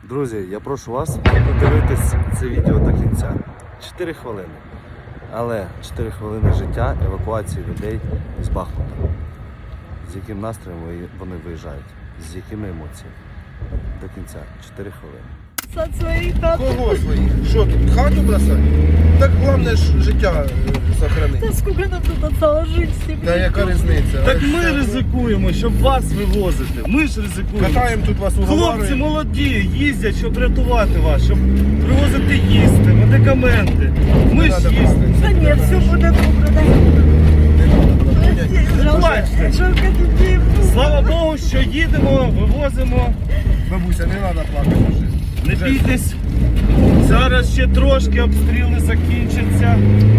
Друзі, я прошу вас подивитись це відео до кінця. 4 хвилини. Але 4 хвилини життя евакуації людей з Бахмута. З яким настроєм вони виїжджають, з якими емоціями. До кінця. 4 хвилини. От своїх хат. Кого своїх? Що тут, хату бросати? Так головне ж життя сохранити. Та скільки нам тут осталось жити з цим? Та яка різниця? Так ми ризикуємо, щоб вас вивозити. Ми ж ризикуємо. Катаємо тут вас Хлопці уговарюємо. молоді, їздять, щоб рятувати вас, щоб привозити їсти, медикаменти. Ми ж їздимо. Та ні, все буде добре, дай. Плачте. Жалко дітей. Слава Богу, що їдемо, вивозимо. Бабуся, не треба плакати вже. Не бійтесь. Зараз ще трошки обстріли закінчаться.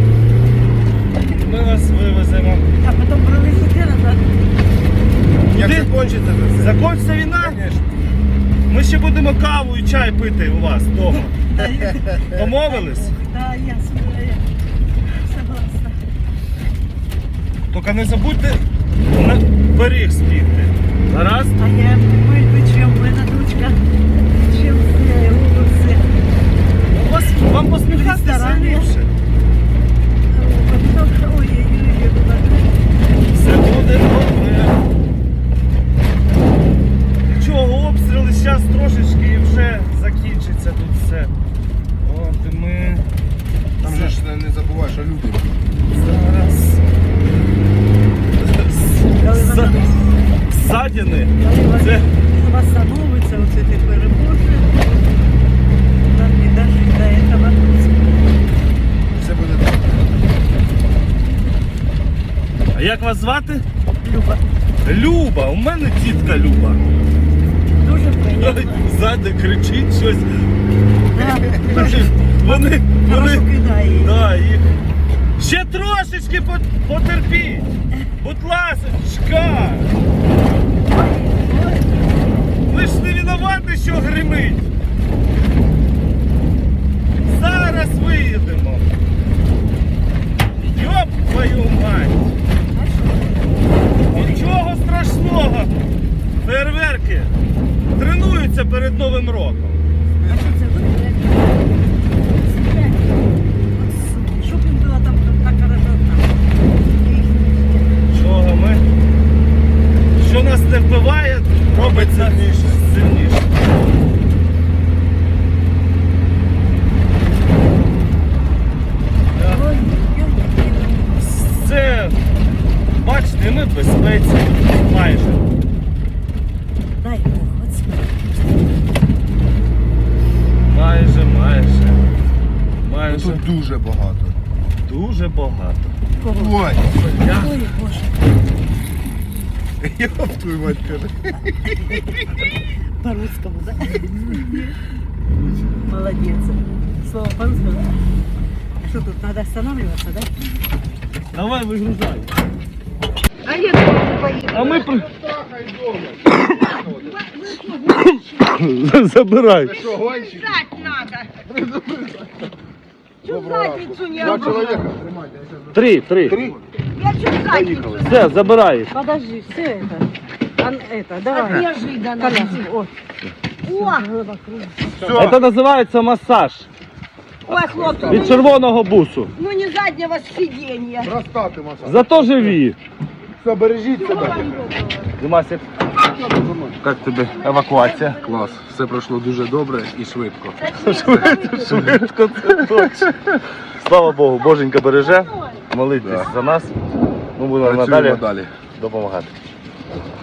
Ми вас вивеземо. А потім прилетіти назад. Як Куди? закінчиться це все? Закінчиться війна? Звісно. Ми ще будемо каву і чай пити у вас вдома. Домовились? Так, я согласна. Тільки не забудьте на пиріг спіти. Гаразд? А я вийду, чим в мене дочка, чим все, голубці. Вам посміхатися Ресторан є. ліпше. Ой-ой-ой, Все буде добре. Нічого, обстріли зараз трошечки і вже закінчиться тут все. От і ми Там же ж не забувай, що люди. зараз ссадини. Це восстановиться, оце ти переможеш. Нам не дожить до этого. Все буде добре. А як вас звати? Люба, Люба, у мене тітка Люба. дуже приємно. Ззади кричить щось. Да, Вони хорошо кидає її. да, їх. Ще трошечки потерпіть. Будь ласочка. Ви ж не винуваті, що гримить. Зараз виїдемо. Йоп твою мать. Нічого страшного. Фейерверки тренуються перед Новим роком. А що це буде? Щоб їм було там так хорошо. Чого ми? Що нас не вбиває, робить нас сильніше. Це, бачите, ми в безпеці майже. Дай Бог, оце. Майже. Тут дуже багато. Дуже багато. Ой, Ой, Боже. Йоп твою мать каже. По-русскому, да? Молодец. Слово по-русски, да? А что тут, надо останавливаться, да? Давай вигружай. А я тоже поеду. А ми Забирай. Що, гонщик? Писать надо. Чё задницу не Два работает? чоловіка. Тримайте. Три. Я чё задницу? Все, забирай їх. Подожди, все это. Это, давай. Неожиданно. О. Все. Це називається масаж. Ой, хлопцы, Від червоного бусу. ну не заднего сиденья. Розстати масаж. Зато живі. Все, бережіть себе. Димасик, як тобі евакуація? Клас. Все пройшло дуже добре і швидко. Швидко, це точно. Слава Богу, Боженька береже. Молитесь за нас. Ми будемо Працюємо надалі далі. допомагати.